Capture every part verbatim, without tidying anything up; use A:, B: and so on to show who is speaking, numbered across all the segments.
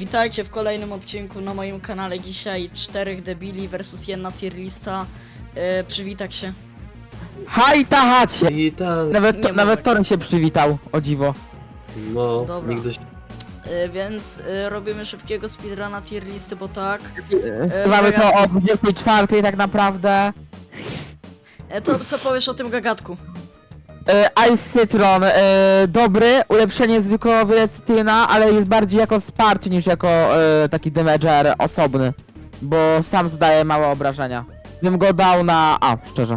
A: Witajcie w kolejnym odcinku na moim kanale. Dzisiaj czterech debili versus jedna tier lista. Yy, przywitać się.
B: Haj tahacie!
C: Witam.
B: Nawet,
A: Nie
B: to,
A: ma
B: nawet
A: tak.
B: Toren się przywitał, o dziwo.
C: No,
A: Dobra.
C: nigdy się...
A: Yy, więc yy, robimy szybkiego speedruna tier listy, bo tak.
B: E, Mamy to
A: gagatku.
B: o dwudziestej czwartej tak naprawdę.
A: E, to co powiesz o tym gagatku?
B: E, Ice Citron, e, dobry, ulepszenie zwykłego wylecytyna, ale jest bardziej jako wsparcie niż jako e, taki damager osobny. Bo sam zdaje małe obrażenia. Bym go dał na A, szczerze.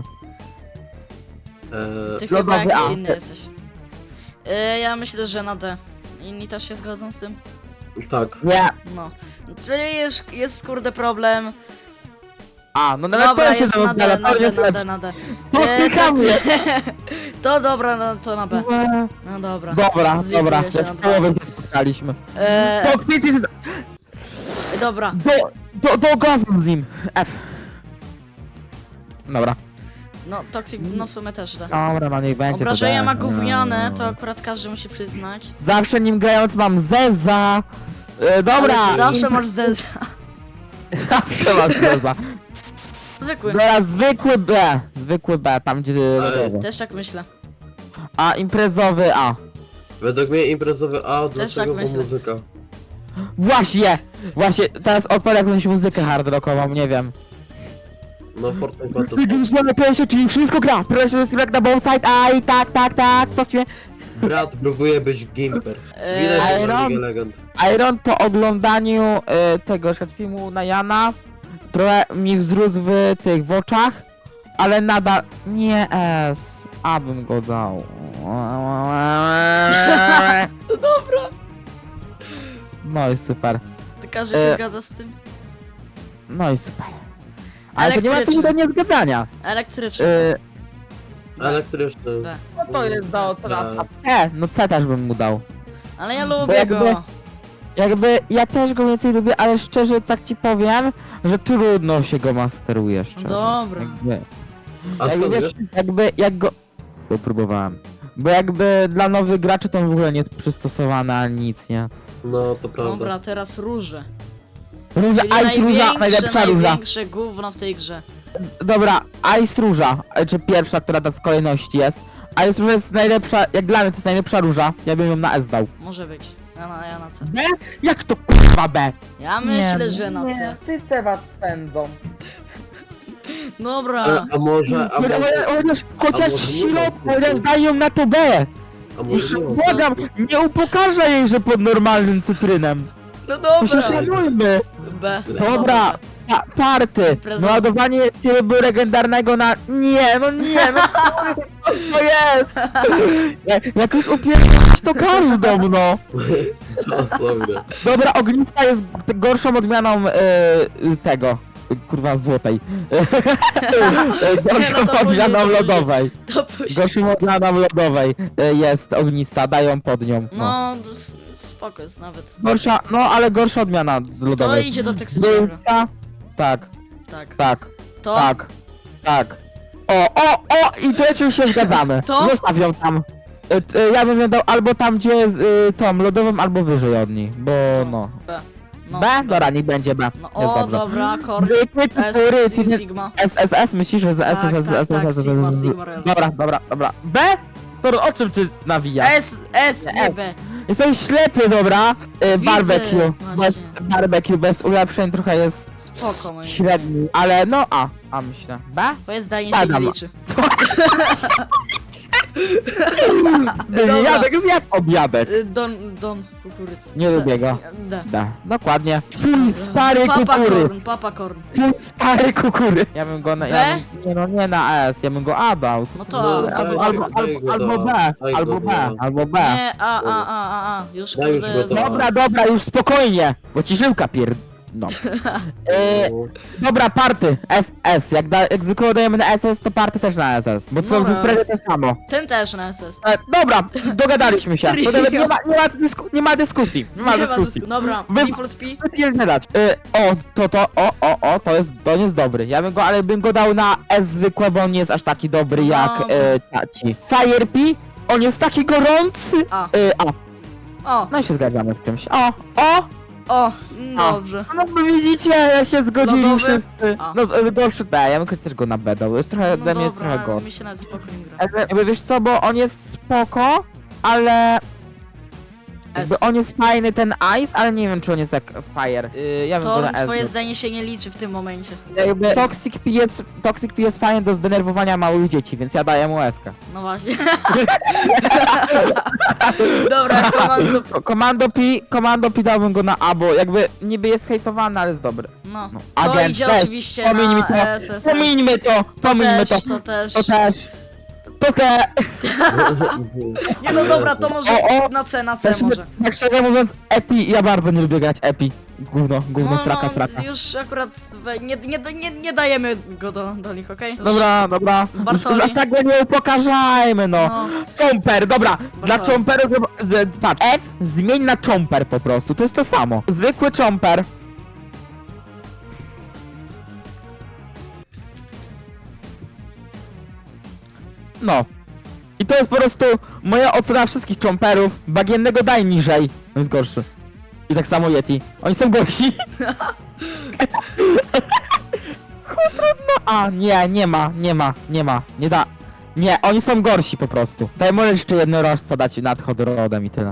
C: E,
A: Ty
B: lodowy
A: chyba jakiś
B: A.
A: inny jesteś. Yy, ja myślę, że na D. Inni też się zgodzą z tym?
C: tak.
B: Nie.
A: No. Czyli jest, jest kurde problem.
B: A, no nawet
A: Dobra,
B: to się
A: jest na D,
B: zamiast,
A: na
B: ale
A: D,
B: to
A: na
B: jest
A: D, na D.
B: To
A: E,
B: ty
A: to-
B: chamie.
A: To dobra, no to na B.
B: lepsze.
A: No dobra.
B: Dobra,
A: Zlituję
B: dobra,
A: się
B: jak
A: na
B: w
A: dwa.
B: połowie się spotkaliśmy.
A: E,
B: To kwiecie się...
A: dobra.
B: Do, do, do gazu z nim. F. Dobra.
A: No, Toxic, no w sumie też da.
B: Dobra, no niech będzie.
A: Obrażenia
B: to
A: ma
B: da.
A: gówniane, to akurat każdy musi przyznać.
B: Zawsze nim grając mam Zeza. E, dobra.
A: Ale ty zawsze masz zeza.
B: Zawsze masz Zeza.
A: Zwykły.
B: Dobra, zwykły B. Zwykły B, tam gdzie lodowy.
A: Też tak myślę.
B: A imprezowy A.
C: Według mnie imprezowy A, dlaczego?
A: tak
C: Bo
A: myślę.
C: muzyka.
B: Właśnie! Właśnie, teraz odpalę jakąś muzykę hard rockową, nie wiem.
C: No, Fortnite ma to.
B: Widzimy pierwsze, czyli wszystko gra. Proszę jak na both side. Aj, tak, tak, tak, sprawdźmy.
C: Brat próbuje być gimper.
A: Eee,
C: Widać, że
B: Iron?
C: ma League Legend.
B: Iron po oglądaniu e, tego szat filmu na Jana trochę mi wzrósł w tych w oczach, ale nadal nie S, abym go dał.
A: Dobra.
B: No i super.
A: Ty każdy się
B: E,
A: zgadza z tym?
B: No i super. Ale to nie ma co
A: Elektryczny.
B: do niezgadzania.
A: Elektryczny.
B: E,
C: Elektryczny.
A: B.
B: no to jest do
C: oceny.
B: E, no C też bym mu dał.
A: Ale ja
B: Bo
A: lubię
B: jakby-
A: go.
B: Jakby ja też go więcej lubię, ale szczerze tak ci powiem, że trudno się go masteruje szczerze.
A: Dobra.
B: Jakby,
C: A
B: jakby,
C: skąd
B: wiesz,
C: wiesz?
B: jakby jak go... Bo próbowałem. Bo jakby dla nowych graczy to on w ogóle nie jest przystosowany ani nic, nie?
C: No, to prawda.
A: Dobra, teraz róże.
B: Róża,
A: Czyli
B: Ice Róża,
A: największe,
B: najlepsza róża.
A: największe gówno w tej grze.
B: Dobra, Ice Róża, e, czy pierwsza, która ta z kolejności jest. Ice Róża jest najlepsza, jak dla mnie to jest najlepsza róża. Ja bym ją na S dał.
A: Może być. Ja na, ja na C.
B: B? Jak to kurwa B?
A: Ja myślę, że na C.
B: cyce was swędzą.
A: Dobra.
C: A, a może, a może,
B: Chociaż, chociaż
C: może
B: w
C: nie
B: środku,
C: ma
B: chociaż daj ją na to B.
C: a
B: Już
C: może nie ma.
B: błagam, nie upokarza jej, że pod normalnym cytrynem.
A: No
B: My się
A: dobra.
B: szanujmy.
A: B.
B: Dobra, pa party.
A: Prezent.
B: Naładowanie trybu legendarnego na... Nie, no nie, no kurwa, co to jest? Jak, jak już upierdolisz to każdą, no.
C: To sobie.
B: Dobra, ognista jest g- gorszą odmianą e, tego. Kurwa, złotej. Gorszą
A: no to
B: odmianą
A: później, to
B: lodowej.
A: To później.
B: Gorszą odmianą lodowej e, jest ognista, dają pod nią. No.
A: No, to s- spoko jest nawet.
B: Gorsza, no ale gorsza odmiana
A: To
B: lodowej.
A: idzie do toksycznego.
B: Dulca? Tak,
A: Tak.
B: tak,
A: To?
B: tak, tak. O, o, o! I tu już się zgadzamy.
A: To?
B: Zostaw ją tam. E, t- e, Ja bym ją dał albo tam, gdzie jest y, tą lodową, albo wyżej od niej, bo no.
A: B. No,
B: B? Dobra, niech będzie B.
A: No,
B: Jest
A: o,
B: dobrze.
A: dobra, Korn.
B: Zwykły
A: S,
B: kukury,
A: Si- Sigma.
B: S S S, myślisz, że z S
A: Tak,
B: S S,
A: tak,
B: S
A: tak,
B: S S,
A: Sigma, Sigma Royal.
B: Dobra, dobra, dobra. B? To o czym ty nawijasz?
A: S, S, nie
B: S.
A: B.
B: Jestem ślepy, dobra. Y,
A: Widzę,
B: Barbecue. Bez,
A: właśnie.
B: barbecue bez ulepszeń trochę jest
A: Spoko, moim zdaniem.
B: średni, ale no A. A myślę. B?
A: Twoje zdanie się
B: Badam.
A: nie liczy. Dobra.
B: Jadek zjadł obiadek.
A: Y, Don, don, kukurydzy.
B: Nie
A: C.
B: lubię go.
A: D.
B: Da, dokładnie. Full stary
A: Papa
B: kukury.
A: Korn, Papa Korn.
B: Full stary kukury. Ja bym go na... Ja
A: B?
B: bym, nie no, nie na S, ja bym go A dał.
A: No to
C: No,
A: A,
B: Albo,
A: to
B: albo,
A: dobra.
B: albo, albo B,
C: Daj
B: albo
C: go,
B: B,
C: no.
B: albo B.
A: Nie, A, A, A, A, A. Już
C: Daj już
A: kurde,
C: go to.
A: zostaw.
B: Dobra, dobra, już spokojnie, bo ci żyłka pier... No. E,
C: No.
B: dobra, party, S S. Jak, da, jak zwykle dajemy na S S, to party też na S S, bo to
A: Dobra.
B: jest prawie to samo.
A: Ten też na S S.
B: E, dobra, dogadaliśmy się. To nawet nie, ma, nie, ma dysku, nie ma dyskusji. Nie ma
A: Nie
B: dyskusji.
A: dysku- Dobra,
B: Wy-
A: default P.
B: Nie dać. E, o, to, to, o, o, o, to jest, to jest dobry. Ja bym go, ale bym go dał na S zwykłe, bo on nie jest aż taki dobry
A: No.
B: jak e, taci. Fire P, on jest taki gorący.
A: A.
B: E, a,
A: O,
B: no i się zgadzamy w czymś. O, o,
A: O,
B: A.
A: dobrze.
B: No bo widzicie, ja się zgodzili
A: Lodowy?
B: wszyscy.
A: A.
B: No e, gorszy B, ja bym też go na B dał, jest trochę,
A: No
B: dla mnie jest
A: dobra,
B: trochę
A: ale
B: gorszy.
A: mi się nawet spokojnie gra.
B: Jakby, jakby wiesz co, bo on jest spoko, ale... Jakby
A: S.
B: on jest fajny, ten Ice, ale nie wiem czy on jest jak Fire. Yy, ja bym go
A: To
B: na S
A: twoje
B: dał.
A: zdanie się nie liczy w tym momencie.
B: Jakby Toxic P jest, Toxic P jest fajny do zdenerwowania małych dzieci, więc ja daję mu S-kę.
A: No właśnie. Dobra, komando.
B: Ko- Komando P, Komando P dałbym go na A, bo jakby niby jest hejtowany, ale jest dobry.
A: No.
B: No.
A: To
B: Agent,
A: idzie
B: też.
A: oczywiście
B: Pomińmy
A: na
B: to.
A: S S.
B: Pomińmy to,
A: To
B: pomińmy
A: też,
B: to.
A: to też.
B: To też. To te.
A: Nie no dobra, to może
B: O, o.
A: na C, na C
B: Tak,
A: może.
B: tak szczerze mówiąc, Epi, ja bardzo nie lubię grać Epi. Gówno, gówno,
A: No,
B: straka,
A: no,
B: straka.
A: już akurat we, nie, nie, nie, nie dajemy go do, do nich, okej?
B: Dobra, dobra. Już,
A: Bartoli.
B: już aż tak go nie upokarzajmy, no.
A: No.
B: Chomper, dobra. Dla
A: Bartoli.
B: Chomperów, e, patrz, F zmień na Chomper po prostu, to jest to samo. Zwykły Chomper. No. I to jest po prostu moja ocena wszystkich Chomperów. Bagiennego daj niżej. On jest gorszy. I tak samo Yeti. Oni są gorsi. Trudno. A, nie, nie ma, nie ma, nie ma, nie da. Nie, oni są gorsi po prostu. Daj może jeszcze jednorożca dać nad hodrodem i tyle.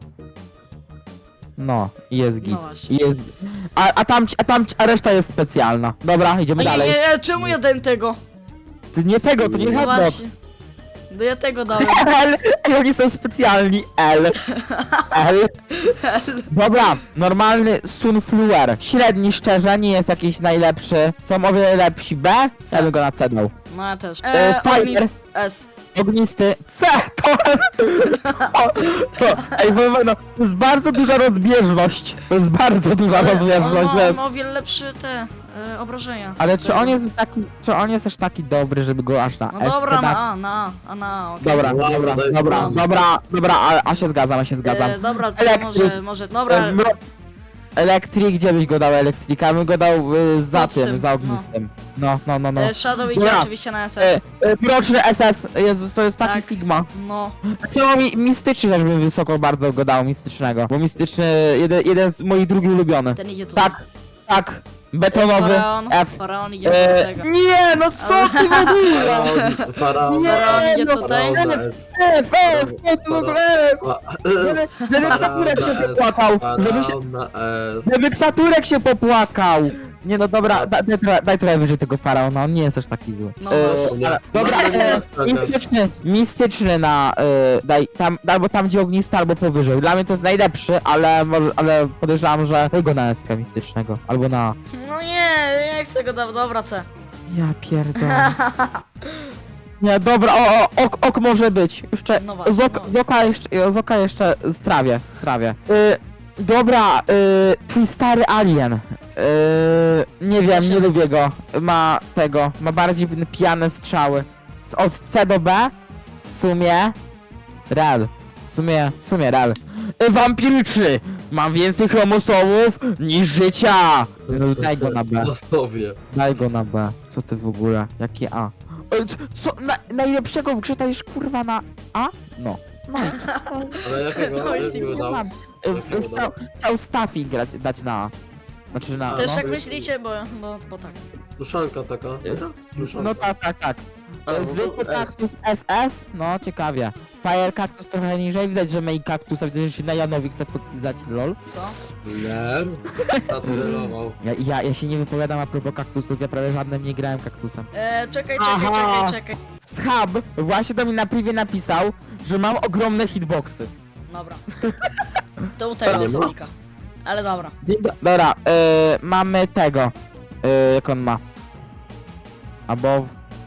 B: No, i jest git.
A: No właśnie.
B: I jest... A, a tam, a tam, a reszta jest specjalna. Dobra, idziemy
A: No nie,
B: dalej.
A: nie, nie, czemu ja dałem tego?
B: Ty nie tego, to nie
A: No
B: hodrot.
A: właśnie. No ja tego dałem.
B: L, i oni są specjalni. L. L. Dobra, normalny Sunfluer. Średni szczerze, nie jest jakiś najlepszy. Są o wiele lepsi. B,
A: C.
B: ja bym go na C dał.
A: No ja też.
B: E,
A: E,
B: Fire.
A: Ognis S.
B: Ognisty. C, to... To, to ej, powiem wam, no, to jest bardzo duża rozbieżność. To jest bardzo duża
A: Ale on
B: rozbieżność,
A: ma,
B: wiesz.
A: on ma o wiele lepsze te e, obrażenia.
B: Ale czy
A: Tego.
B: on jest taki, czy on jest aż taki dobry, żeby go aż na
A: No
B: S
A: dobra,
B: dać?
A: na A, na A, a na A, okej.
B: Dobra,
C: Wow,
B: dobra,
C: daj-
B: dobra,
A: no.
B: dobra, dobra, a, a się zgadzam, a się zgadzam.
A: E, dobra, to
B: Elektryk.
A: może, może, dobra.
B: E, mro- Elektrik, gdzie byś go dał elektrika? Ja bym go dał y, za
A: Pod
B: tym,
A: tym,
B: za
A: no.
B: ognistym. No, no, no, no.
A: E, Shadow idzie
B: Dobra.
A: oczywiście na S
B: E,
A: S.
B: e, Mroczny S S, Jezus, to jest taki
A: Tak.
B: Sigma.
A: No.
B: Co mi, mistyczny też bym wysoko bardzo go dał, mistycznego. Bo mistyczny, jeden, jeden z moich drugi ulubiony.
A: Ten idzie tutaj.
B: Tak, tak, betonowy,
A: Faraon,
B: F.
A: Faraon idzie do
B: E,
A: tego.
B: nie, no co ty w ogóle?
C: Faraon, faraon,
B: Nie,
A: Faraon idzie
B: no,
A: tutaj.
C: faraon na S.
B: F, F, co ty w ogóle? Żeby, żeby Ksaturek się popłakał, żeby się,
C: Faraon na S.
B: żeby Ksaturek się popłakał. Nie no dobra, da, daj, trochę- daj trochę wyżej tego faraona, on nie jest aż taki zły.
A: No
B: E,
A: właśnie.
B: ale- dobra, e, mistyczny, mistyczny na, e, daj, tam, albo tam gdzie ognisty, albo powyżej. Dla mnie to jest najlepszy, ale, może- ale podejrzewam, że daj go na S K mistycznego, albo na...
A: No nie, nie chcę go dać, dobra, C.
B: Ja pierdolę. Nie, dobra, o, o, ok, ok może być. Jeszcze,
A: No właśnie,
B: z, ok,
A: no.
B: z oka jeszcze, z oka jeszcze strawię, strawię. Y, dobra, y, twój stary alien. Y, nie wiem, nie lubię go. Ma tego, ma bardziej pijane strzały. Od C do B? W sumie... Real. W sumie, w sumie real. Y, wampiryczny! Mam więcej chromosomów niż życia! No, daj go na B.
C: Na sobie.
B: Daj go na B. Co ty w ogóle? Jakie A? E, c- Co? Na, najlepszego w grze dajesz kurwa na A? No. No.
C: Ale jakiego?
A: To jest
C: Jakiego dał?
B: E, w- Chciał, chciał Staffy grać, dać na A. Znaczy na
A: Też
B: no.
A: tak myślicie, bo, bo, bo tak.
C: Duszanka taka. Duszanka.
B: No tak, tak, tak.
C: A,
B: E,
C: no
B: Zwykły
C: to S.
B: kaktus S S? No, ciekawie. Fire kaktus trochę niżej, widać, że main kaktusa, widać, że się na Janowi chce podpisać, lol.
A: Co?
C: Nie. Acelerował.
B: Ja, ja, ja się nie wypowiadam a propos kaktusów, ja prawie żadnym nie grałem kaktusem.
A: E, czekaj, czekaj,
B: Aha.
A: czekaj, czekaj.
B: Schab właśnie do mnie na privie napisał, że mam ogromne hitboxy.
A: Dobra. To u tego
C: Nie ma?
A: osobnika. Ale dobra.
B: Dzień do... Dobra, yy, mamy tego. Yy, jak on ma? Above.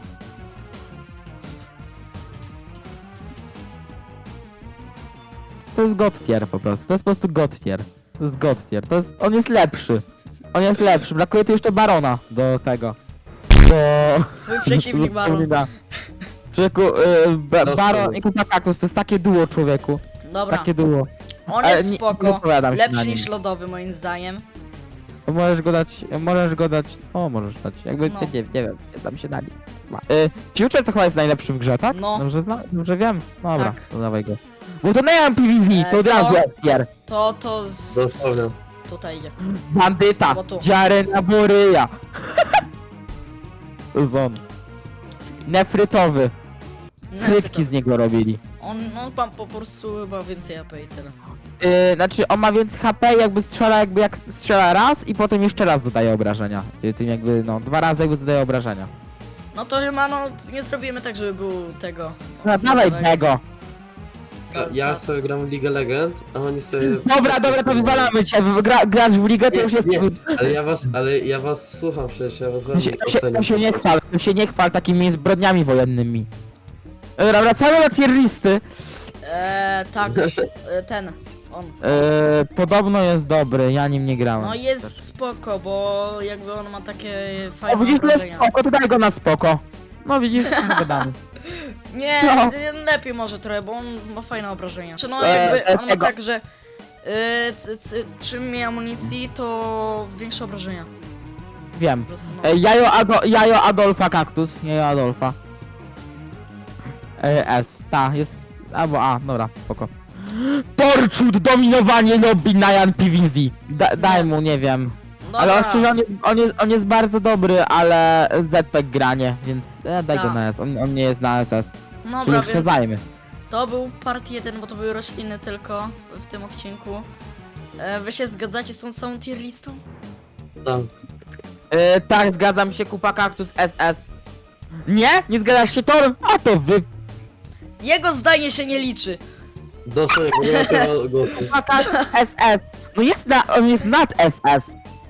B: To jest god tier po prostu. To jest po prostu god tier. To jest god tier. To jest... On jest lepszy. On jest lepszy. Brakuje tu jeszcze barona do tego. Do...
A: Twój przeciwnik Baron.
B: Człowieku, yy, ba
C: No,
B: baron
C: sorry.
B: i kupa kaktus to jest takie duo, człowieku.
A: Dobra.
B: Takie duo.
A: On
B: Ale
A: jest
B: nie- nie
A: spoko.
B: wypowiadam się na
A: Lepszy
B: nim.
A: niż lodowy moim zdaniem.
B: Możesz go dać, możesz go dać, o możesz dać, jakby,
A: No.
B: nie, nie, nie wiem, nie znam się na nim. Y, Future to chyba jest najlepszy w grze, tak?
A: No.
B: Dobrze, zna, dobrze wiem? Dobra,
A: Tak.
B: to dawaj go. Bo to nie mam P V Z,
A: E,
B: to od razu
A: to-
B: F tier.
A: To, to z...
C: Dosłownie.
A: tutaj idzie.
B: Bandyta!
A: Bo tu.
B: Dziarena Boryja! To jest on. Nefrytowy. Frytki z niego robili.
A: On, no pan po prostu chyba więcej A P i tyle.
B: Yy, znaczy on ma więcej H P, jakby strzela, jakby jak strzela raz i potem jeszcze raz zadaje obrażenia. Yy, Tym jakby, no, dwa razy jakby zadaje obrażenia.
A: No to chyba no nie zrobimy tak, żeby był tego.
B: No, dawaj
A: nowego.
B: tego!
C: Ja, ja sobie gram w League Legend, a oni sobie...
B: Dobra, dobra, to wywalamy cię. Gra, grać w ligę to
C: Nie,
B: już jest...
C: nie, ale ja was, ale ja was słucham przecież, ja was
B: To się,
C: wam
B: to, się, to się nie chwal, to się nie chwal takimi zbrodniami wojennymi. Dobra, wracamy do tier listy.
A: Eee, tak, e, ten, on.
B: Yy, podobno jest dobry, ja nim nie grałem.
A: No jest spoko, bo jakby on ma takie
B: O,
A: fajne
B: widzisz, to jest
A: obrażenia.
B: spoko, to daj go na spoko. No widzisz, gadamy.
A: Nie,
B: No.
A: lepiej może trochę, bo on ma fajne obrażenia. Czy no
B: Eee,
A: jakby, on ma
B: tego.
A: tak, że e, c, c, czym mniej amunicji, to większe obrażenia.
B: Wiem.
A: Po prostu, no.
B: E, Jajo, Ado, Jajo Adolfa Kaktus, Jajo Adolfa. E, S, ta, jest, albo A, dobra, spoko. Torchwood, dominowanie lobby na Jan P V Z. Da, daj mu, nie wiem. Ale
A: Dobra.
B: szczerze, on jest, on, jest, on jest bardzo dobry, ale Z P G granie, więc e, daj go
A: Tak.
B: na S, on, on nie jest na S S. Czyli
A: Dobra, więc
B: wsadzajmy.
A: to był part jeden, bo to były rośliny tylko w tym odcinku. E, wy się zgadzacie z tą całą tier listą?
C: Tam.
B: E, tak, zgadzam się, kupa kaktus S S. Nie? Nie zgadzasz się, Tor? A to wy...
A: Jego zdanie się nie liczy.
C: Dostałem, bo nie ma tego głosu.
B: Kupa kaktus S S. No jest na... on jest nad S S.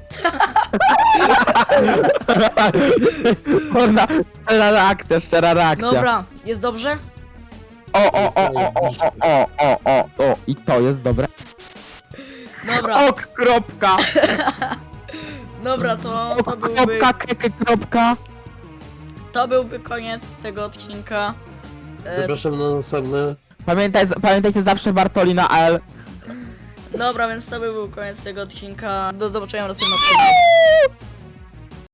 B: Kurna, szczera reakcja, szczera reakcja.
A: Dobra, jest dobrze?
B: O, o, o, o, o, o, o, o, o, o, i to jest dobre.
A: Dobra,
B: Ok, kropka,
A: dobra, to, to
B: ok,
A: byłby,
B: kropka, keke, kropka.
A: to byłby koniec tego odcinka. E,
C: Zapraszam na następne.
B: Pamiętaj, pamiętajcie zawsze Bartoli na L.
A: dobra, więc to by był koniec tego odcinka. Do zobaczenia w następnym odcinku.